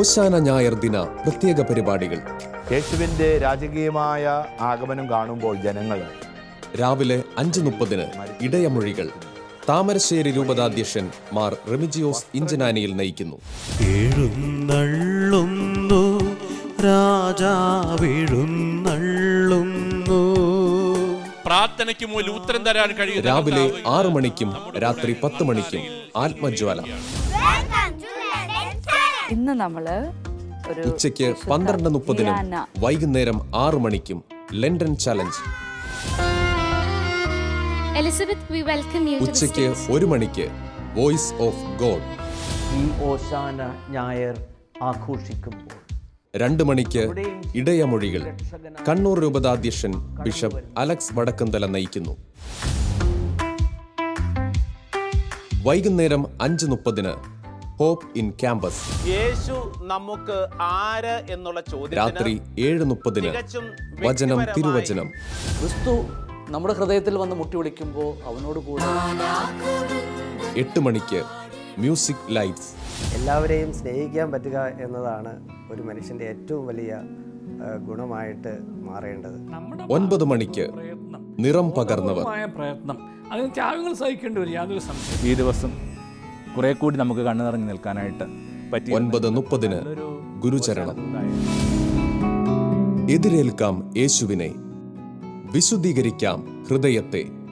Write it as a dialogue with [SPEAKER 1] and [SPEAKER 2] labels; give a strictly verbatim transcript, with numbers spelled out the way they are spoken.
[SPEAKER 1] ഓശാന ഞായർ ദിന പ്രത്യേക പരിപാടികൾ.
[SPEAKER 2] യേശുവിൻ്റെ രാജകീയമായ ആഗമനം കാണുമ്പോൾ ജനങ്ങൾ
[SPEAKER 1] രാവിലെ അഞ്ച് മുപ്പതിന് ഇടയമൊഴികൾ താമരശ്ശേരി രൂപതാധ്യക്ഷൻ മാർ റെമിജിയോസ് ഇഞ്ചനാനിയിൽ നയിക്കുന്നു.
[SPEAKER 3] എഴുന്നള്ളുന്നു രാജാവെഴുന്നള്ളുന്നു.
[SPEAKER 4] പ്രാർത്ഥനയ്ക്ക് മുന്നിൽ ഉത്തരം തരാൻ കഴിയും.
[SPEAKER 1] രാവിലെ ആറു മണിക്കും രാത്രി പത്ത് മണിക്കും ആത്മജ്വാല.
[SPEAKER 5] ഇന്ന് നമ്മള്
[SPEAKER 1] ഉച്ചയ്ക്ക് പന്ത്രണ്ട് മുപ്പതിനും വൈകുന്നേരം ആറു മണിക്കും London challenge.
[SPEAKER 6] Elizabeth, we welcome you to the
[SPEAKER 1] ഉച്ചയ്ക്ക്
[SPEAKER 6] stage.
[SPEAKER 1] ഒരു മണിക്ക് വോയിസ് ഓഫ് ഗോഡ്.
[SPEAKER 7] ഈ ഓശാന ഞായർ ആഘോഷിക്കുമ്പോൾ
[SPEAKER 1] രണ്ട് മണിക്ക് ഇടയമൊഴികൾ കണ്ണൂർ രൂപതാധ്യക്ഷൻ ബിഷപ്പ് അലക്സ് വടക്കുംതല നയിക്കുന്നു. വൈകുന്നേരം അഞ്ച് മുപ്പതിന് ഹോപ്പ് ഇൻ ക്യാമ്പസ്.
[SPEAKER 8] യേശു നമുക്ക് ആര് എന്നുള്ള ചോദ്യം
[SPEAKER 1] രാത്രി ഏഴ് മുപ്പതിന് വചനം തിരുവചനം.
[SPEAKER 9] ക്രിസ്തു നമ്മുടെ ഹൃദയത്തിൽ വന്ന് മുട്ടി വിളിക്കുമ്പോൾ അവനോട് കൂടെ.
[SPEAKER 1] എട്ട് മണിക്ക് മ്യൂസിക് ലൈറ്റ്സ്.
[SPEAKER 10] എല്ലാവരെയും സ്നേഹിക്കാൻ പറ്റുക എന്നതാണ് ഒരു മനുഷ്യൻ്റെ ഏറ്റവും വലിയ ഗുണമായിട്ട് മാറേണ്ടത്.
[SPEAKER 1] ഒൻപത് മണിക്ക് നിറം പകർന്നവർ.
[SPEAKER 11] പ്രയത്നം അതിന് ത്യാഗങ്ങൾ സഹിക്കേണ്ടി വരും, യാതൊരു സംശയം.
[SPEAKER 12] ഈ ദിവസം കുറെ കൂടി നമുക്ക് കണ്ണു നിറഞ്ഞു നിൽക്കാനായിട്ട് പറ്റി.
[SPEAKER 1] ഒൻപത് മുപ്പതിന് ഗുരുചരണം. എതിരേൽക്കാം യേശുവിനെ, വിശുദ്ധീകരിക്കാം ഹൃദയത്തെ.